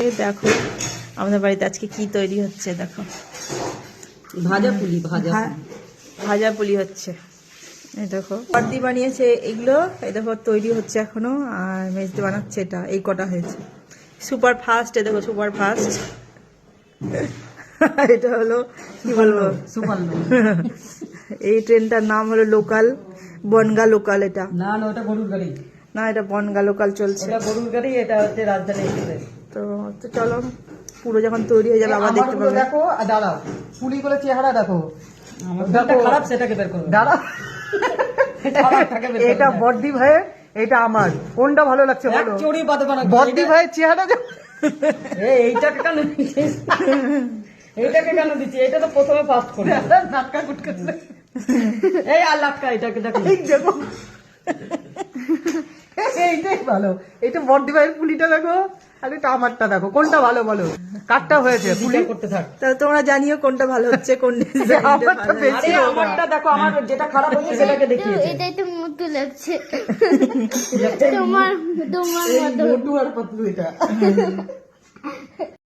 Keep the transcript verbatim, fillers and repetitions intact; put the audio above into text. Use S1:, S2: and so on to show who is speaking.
S1: দেখো আমাদের বাড়িতে আজকে কি তৈরি হচ্ছে, দেখো
S2: ভাজা পুলি ভাজা
S1: ভাজা পুলি হচ্ছে। এই দেখো বর্দি বানিয়েছে এগুলো, এই দেখো তৈরি হচ্ছে এখনো, আর মেজদি বানাচ্ছে এটা, এই কটা হয়েছে সুপার ফাস্ট। এই দেখো সুপার ফাস্ট, এটা হলো কি বলবো
S2: সুপার
S1: এই ট্রেনটার নাম হলো লোকাল, বনগা লোকাল। এটা
S2: না না ওটা গরুর গাড়ি
S1: না, এটা বনগা লোকাল চলছে।
S2: এটা গরুর গাড়ি, এটা হচ্ছে রাজধানী এক্সপ্রেস।
S1: তো তো চলো পুরো যখন তৈরি হয়ে যাবে আবার দেখতে পাবে।
S2: দেখো আর দাঁড়াও, পুলিগুলো চেহারা দেখো, দেখো খারাপ সেটাকে বের করো। দাঁড়াও, এটা বর্দি ভাই, এটা আমার কোনটা ভালো লাগছে বলো? চুরি বাদে বানা বর্দি ভাইয়ের চেহারা দেখো। এই এইটাকে কেন দিছিস? এইটাকে কেন দিছিস? এটা তো প্রথমে ফাস্ট করে নাটকা গুটকা। এই আর লাটকা, এটাকে দেখো, এই দেখো এইটাই ভালো। এটা বর্দি ভাইয়ের পুলিটা দেখো, আর এটা আমারটা দেখো, কোনটা ভালো বলো? কাটটা হয়েছে পুলি করতে থাক।
S1: তাহলে তোমরা জানিও কোনটা ভালো হচ্ছে, কোন
S2: আমারটা বেশি। আমারটা দেখো, আমার যেটা খারাপ হচ্ছে সেটাকে দেখিয়েছে।
S3: এটাই তো মোটু লাগছে তোমার তোমার
S2: মোটু আর পাতলু এটা।